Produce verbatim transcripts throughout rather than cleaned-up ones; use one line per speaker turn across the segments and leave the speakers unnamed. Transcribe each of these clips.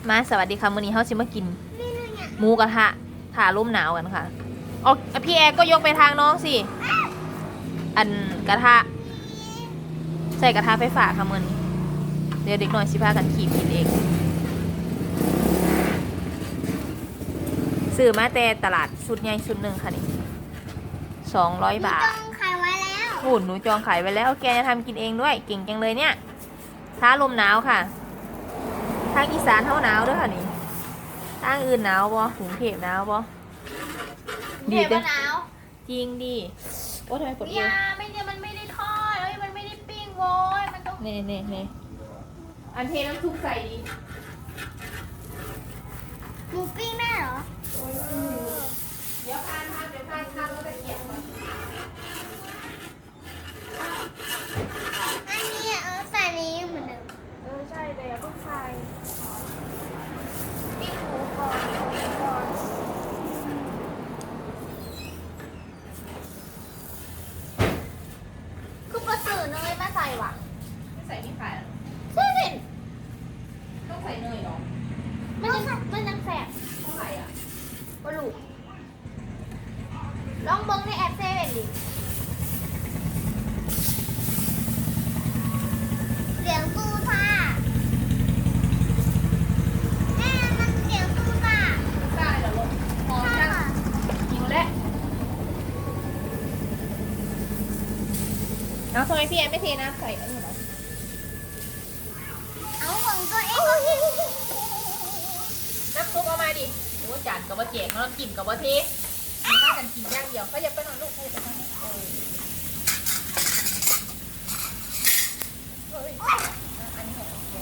มาสวัสดีค่ะมื้อนี้เฮาสิมากินหมูกระทะถ่าลมหนาวกันค่ะอ๋อพี่แอร์ก็ยกไปทางน้องสิอันกระทะใส่กระทะไฟฟ้าค่ะมื้อนี้เดี๋ยวเด็กหน่อยสิพากันขี่กินเองซื้อมาแต่ตลาดชุดใหญ่ชุดหนึ่งค่ะนี่สองร้อยบาท
จองขายไว้แล้ว
หุ่นหนูจองขายไว้แล้วแกจะทำกินเองด้วยเก่งจังเลยเนี่ยท้าลมหนาวค่ะทางอีสานเท่าหนาวด้วยค่ะนี่ทางอื่นหนาวบ่กรุงเทพหนาวบ่
ดีจ้ะหนาว
จริงดิโอ้ทำไมกดเอ
ยาว ไม่เนี่ยมันไม่ได้ทอดเอ้ยมันไม่ได้ปิ้งโว้ยมันต้อง
เน่เน่เน่อันเทน้ำซุปใส่ดิ
หมูปิ้งได้เหรอ
เดี๋ยวทานทานเดี๋ยวทานทานแล้วตะเกียบก่อน
อันนี้เออใส่นี้เหมือนเดิม
เออใช่แต่อย่าเพิ่งใส่
ปิ้งหมูก่อนหมูก่อนคือประสื่อเนยมาใส่ว่ะ
ไม่ใส่นี่ขาย
ใช่สิ
ต้องใส่เนยหรอ
มันยังมันยังแสบ
เท่าไหร่อ่ะ
บลูลองเบิ้งในแอปเซเว่นดิเสียงตู้ซ่าแม่มันเสียงตู้ซ่า
ได้เหรอลูกหอมจังหิวแล้วเอาทำไมพี่แอนไม่เทน้ำใส่อันนี้เหรอ
เอาของตัวเอง
น้ำซุปเอามาดิโอ้จานกับว่าเจ๊กน้ำจิ้มกับว่าเทมีข้าวกันกินย่างเดียวเขาอย่าไปนอนลูกเขาอย่าไปนอนเออเอ้ยอันนี้ของเจ๊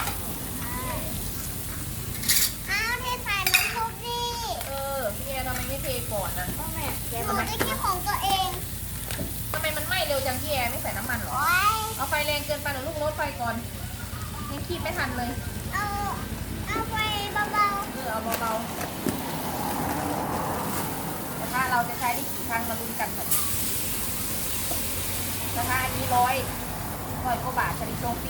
เอาเทใส่น้ำซุปดิ
เออพี่แอนทำไมไม่เทก่อนนะ
แม่หนูจะคิดของตัวเอง
ทำไมมันไหม้เร็วจังพี่แอนไม่ใส่น้ำมันหรอ
โอ้ย
เอาไฟแรงเกินไปหรือลูกลดไฟก่อนยังคีบไม่ทันเลย
เอาเอาไปเบา
เออเอาเบาๆแต่ถ้าเราจะใช้ได้กี่ครั้งมาลุ้นกันค่ะราคาอันนี้ร้อยร้อยกว่าบาทชนิดโซฟี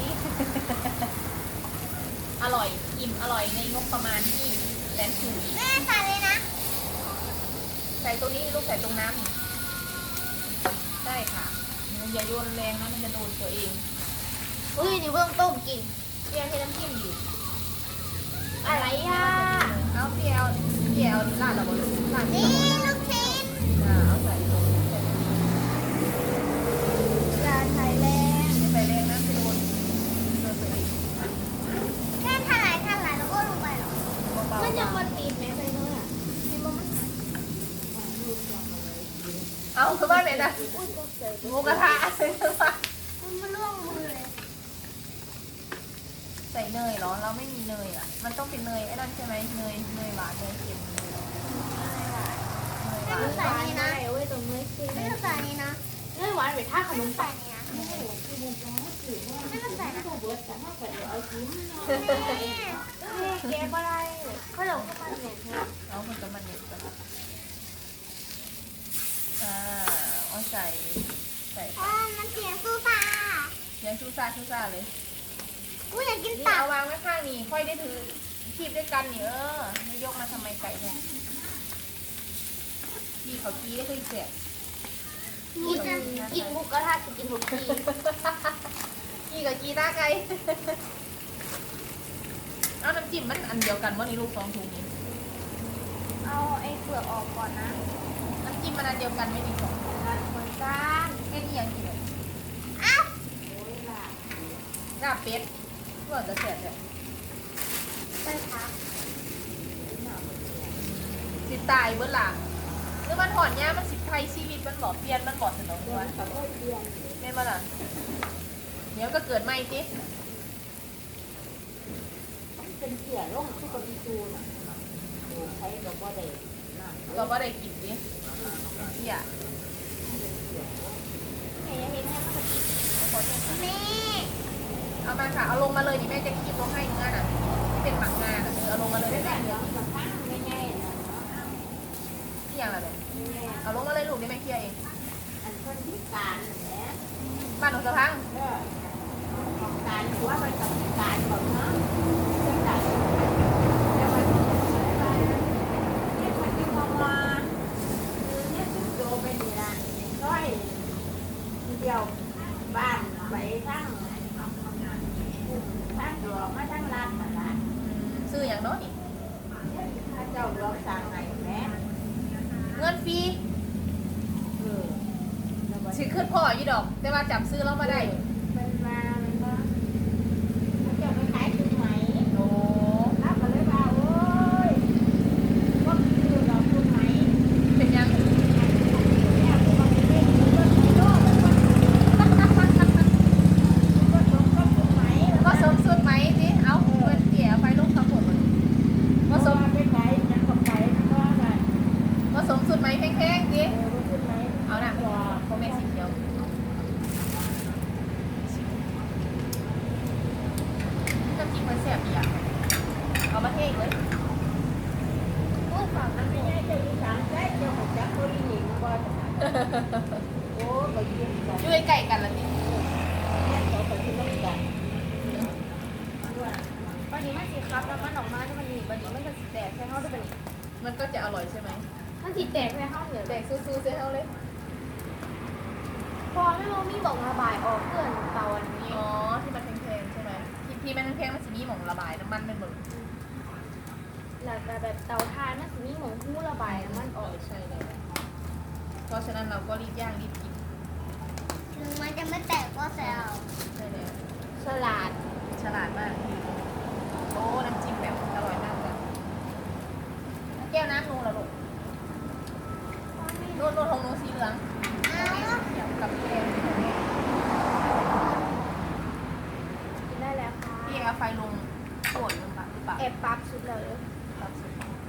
อร่อยอิ่มอร่อยในงบประมาณที่แสนสูง
ๆแม่ใส่เลยนะ
ใส่ตัวนี้ลูกใส่ตรงน้ำนี่ใช่ค่ะอย่าโยนแรงนะมันจะโดนตัวเอง
อุ้ยนี่เพิ่งต้มกิน
เพี่ยให้น้ำจิ้มอยู่
อะไรอ่ะ
เอาเพี่ยเอาเพี่ยเอาลาดเราบนลาด
นี่
เรา
ลูกชิ้น
อ่าเอาใส่ตรงนี้ใส่ตรงนี้
อย่าใส่แรง
ไม่ใส่แรงนะจะโดนโดนตัวเอง
แค่ถลายถลายแล้วก็ลงไปหรอ
เบาๆ
มันจะมันตีนไหมไปเลยอ่ะเห็นบ่มันหาย
เอาคือบ้านไหนนะ
อุ้ยตกใจ
หมูกระทะใส่น้ำมัน
มันล่วงมือเลย
ใส่เนยเหรอเราไม่มีเนยอ่ะมันต้องเป็นเนยไอ้นั่นใช่ไหมเนยเนยหวานเนยเค็มเนยหวาน
ไม่ต้องใส่นี่นะเว้ยตรงนี้ไม่ต้องใส่นี่นะ
เนื้อหวานไปท่าขนม
ใส่
ปัง
นี่นะไม่ต้องใส่นะ แกก็ได้เขาหลงเข้ามาเนี่ย
เอามันจะมันเน็ตกันอ่าเอาใส่ใส่
อ๋อมันเสียงซูซ่า
ยังชูซ่าชูซ่าเลย
อุ้ยอยากกิน
นี่
ตับ
เอาวางไว้ข้างนี่ค่อยได้ถือคีบด้วยกันนี่เออไม่ยกมาทำไมไก่เนี่ยพี่เขากี้ได้เคยเสีย
กินกินหมูกระทะกินหมูกี
กี้กับกี้ตาไก่เอาน้ำจิ้มมันอันเดียวกันว่านี่ลูกสองถุงนี้
เอาไอ้เปลือกออกก่อนนะ
น้ำจิ้มมันอันเดียวกันไม่มีสองถุง
เหมือนกัน
แค่นี้ยังกินเลย
อ้าว
ลาบเป็ดเพื่อจะเสียเลย
ไปพัก
สิตายเบื้องหลังหรือมันถอนหญ้ามันสิไทยชีวิตมันบอกเปลี่ยนมันบอกสนองด้วยแม่มาล่ะเดี๋ยวก็เกิดใหม่สิ
เป็นเสียร่องทุกคนที่ดูน่ะโอ้ใช้กับว่าได้น่ะ
เราก็ได้กินดิเที่ย
แม่ยังเห็นแม่มากิน
ขอโทษค่ะ
แม่
เอามาค่ะเอาลงมาเลยดิแม่จะคีบลงให้เนื้อน่ะที่เป็นหมักงาน่ะเออเอาลงมาเลยได้ไหม
เดี๋ยวกับข้างไม่แน่นะ
ที่อย่างไรเนี่ย
ไม่แน่
เอาลงมาเลยลูกได้ไหมเคลียร์เอง
อันคนที่การแหละ
บ้านหนูสะพัง
เออของการหรือว่ามันกับการของเนาะเรื่องการที่ยวบ้านไปทั้งทั้งหลวงมาทั้งร้านมาร้าน
ซื้ออย่างน้อยนี่
ถ้าเจ้าหลวงสั่งไงแม่
เงินฟรี
เออแล้วก็
สิขึ้นพ่ออยู่ดอก แต่ว่าจับซื้อแล้วมาได้
มันมามันก็เขาเจ้าไปขายถุงไหม
โอ้
รับก็เลยว่าโอ้ยก็คือดอกถุงไหม
เป็นยัง
เนี่ยพวกมันเล่นมันก็ไม่รู้มันก็มันก็ถุงก็ถุงไหม
ก็สมสุดไหมจิเอาเงินเกี่ยไปลูกทั้งหมดเลย
ก็
ก็
ส
ส
ม
ม
ไปขายมันก็ไปมันก็ได้
ก็สมสุดไหมแพงๆจิ
เออถุงไหม
เอาหน่ะ
ว่า
โคเมสีเขียวน้ำจิ้มมันแซ่บอีกอ่ะเอามาเทอีกเลย
โอ้ฝั่งนั้นไม่ใช่เจ้าอีสานได้เจ้าของจักรโคลีหนิงก็จะโอ้ไปยืนกัน
อยู่ใกล้ๆกันละนี่
เขาไปที่นั่นกัน
วันนี้มันสีครับแล้วมันออกมาแล้วมันหนีวันนี้มันจะสีแตกใช่เขาด้วยเป็น
มันก็จะอร่อยใช่ไหม
มันสีแตกใช่เขาเหนือ
แดกซื้อๆเสียเอาเลย
พอไม่รู้มีบอกระบายออกเพื่อนเตาอันนี้
อ๋อ ที่มันแพงๆใช่ไหมที่ที่มันแพงๆมันจะมีหม่องระบายน้ำมันเป็นหมด
แล้วก็แบบเตาทานมันสีมีหมองหู้ระบายน้ำมันออก
ใช่เลยเพราะฉะนั้นเราก็รีบย่างรีบกิน
ถึงมันจะไม่แตกก็แซว
ใช่แล้ว
สลัด
ฉลาดมาก โอ้ น้ำจิ้มแบบอร่อยมากเลยแก้วน้ำนูนเหรอลูกนูนนูนของนูนสีเหลืองเขียวกับแก้ว
กินได้แล้วค่ะ
พี่เอาไฟลงโขดลงไปหรือเปล่า
แอบปั๊บชุดเลย
ครับสุด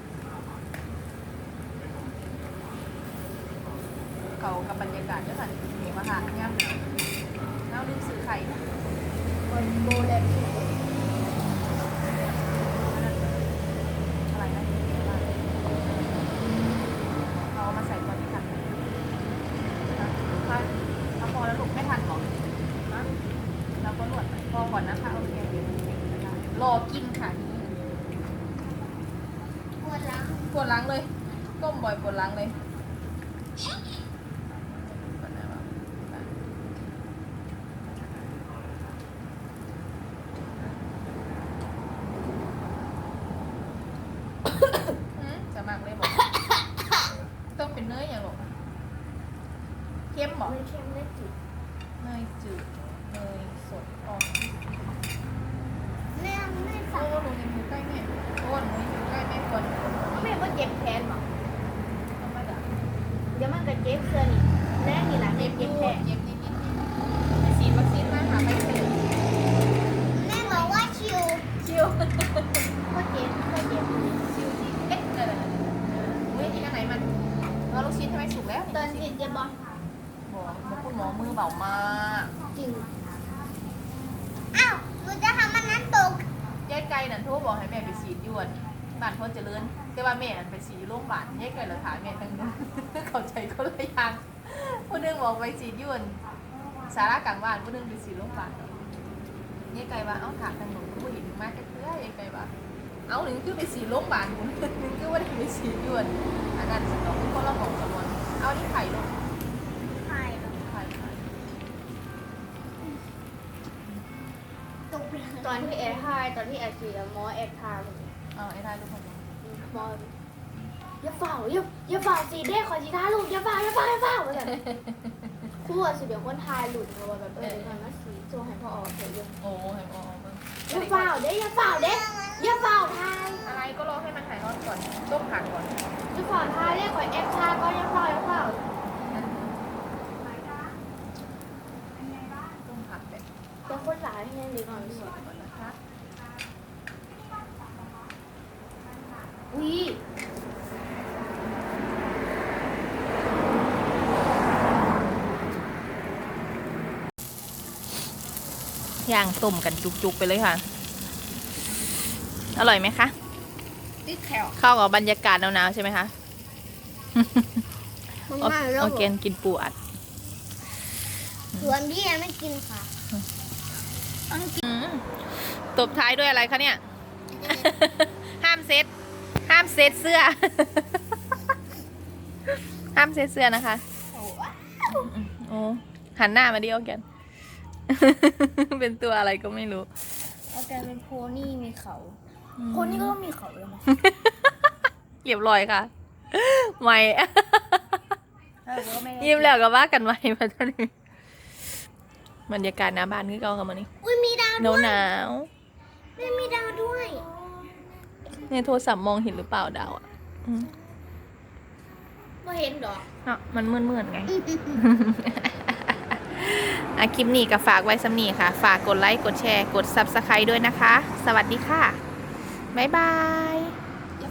เขากับบรรยากาศด้วยค่ะเห็นมาค่ะย่ำหนาวแล้วลืมซื้อไข่
บนโบแลนด์
อะไรนะเอามาใส่ก่อนที่ทันถ้าถ้าพอแล้วลูกไม่ทันหรอกนะเราก็หลวดพอก่อนนะคะโอเครอกินค่ะ
ปวดหลัง
ปวดหลังเลยก้มบ่อยปวดหลังเลยก่อนนะว่าอืมจะมากเลยบอกต้องเป็นเนยอย่างหรอกเข้มบอก
ไม่เค็มได้จิต
เนยจืดเนยสดออก
แม่ไม่
โอ้
สั่ง
หนูยังอยู่ใกล้แม่โอ้หนูยังอยู่ใกล้แม่คน
แม่ก็เจ็บแขนหรอ
ธรรมดา
เดี๋ยวมันก็เจ็บเสื้อนี่แรกนี่แหละ
เจ็
เจ็
บบ อ
เจ็
ยู่
บแขน
เจ็บนิดนิดนิดไปฉีดวัคซีนมาหาไปเฉย
แม่บอกว่าชิว
ชิว
ก็เจ็บก็เจ็บ
ชิวจริงเอ๊ะอะไรอะไรอุ้ยกินอันไหนมันเราลูกชิ้นทำไมสุกแล้ว
ตอนฉีดเจ็บบ่
บอกบอกคุณหมอมือเบามาก
จริง
อ้าวหนูจะทำมันนั้นตก
ยายไก่นั่นโทรบอกให้แม่ไปฉีดยวนบ้านเขาเจริญแต่ว่าแม่นั่นไปฉีดอยู่โรงพยาบาลยายไก่เราถามแม่ตั้งนั้น เข้าใจเขาเลยยังผู้หนึงบอกไปฉีดยวนสาระกลางบ้านผู้หนึงไปฉีดโรงพยาบาลยายไก่ว่าเอ้าถามทางหนูผู้เห็นมากแค่เพื่อยายไก่ว่าเอาหนึ่งคือไปฉีดโรงพยาบาลหนึ่งคือว่าได้ไปฉีดยวนอันนั้นสตองคนละบอกกันวันเอาที่ไข่ลง
ไข่
ไข่ไข่
ตกเลย
ตอนที่แอร์ทายตอนที่แอร์ฉีดอะหมอแอร์ทาย
เอาไอ้ได้ทุกคน
หมออย่าเฝ้าอย่าอย่าเฝ้าสีเด้ขอสีทาลูกอย่าเฝ้าอย่าเฝ้าอย่าเฝ้าเหมือนกันครู่อะสิเดี๋ยวคนทายหลุดเพราะว่าแบบเออเดี๋ยวมันมาสีโจให้พ่อออกเถอะเยอะ
โอ้ให้พอเอาไป
อย่าเฝ้าเด้อย่าเฝ้าเด้อย่าเฝ้าทาย
อะไรก็รอให้มันหายร้อนก่อนต้มผักก่อน
อย่าเฝ้าทายเด้ขอแอร์ทายก็อย่าเฝ้าอย่าเฝ้า
ต้มผักแบบ
แต่คนหลายให้ยังดีกว่า
สดก่อนนะคะ
อุ้ย
ย่างต้มกันจุกๆไปเลยค่ะ อร่อยไหมคะ
ติดแถว
เข้ากับบรรยากาศหนาวๆใช่ไหมคะ
มัน
โอ
มาแล้ว
โอเคกินปูอัด
ส่วนพี่ยังไม่กินค่ะ
อืมตบท้ายด้วยอะไรคะเนี่ย ห้ามเซ็ตห้ามเซ็ตเสื้อ ห้ามเซ็ตเสื้อนะคะ โอ้หันหน้ามาดิโอแกน เป็นตัวอะไรก็ไม่รู้
เอาแกเป็นโพนี่มีเขาโพนี่ก็ต้องมีเขาเลยมั้ย
เรียบร้อยค่ะ ไม่ ยิ้มแล้วก็ว่ากันไว้มาตอนนี้บรรยากาศหน้าบ้านคือเก่ากันมานี่
อุ้ยมีดาว
หนาว
ด้วย
หนาว
ไม่มีดาวด้วย
ในโทรศัพท์มองเห็นหรือเปล่าดาวอ่ะอืม
ไม่เห็นดอก
อ่ะมันมืดๆไง อ่ะคลิปนี้ก็ฝากไว้สำนีค่ะ ฝากกดไลค์ กดแชร์ กด ซับสไครบ์ ด้วยนะคะ สวัสดีค่ะ บ๊ายบาย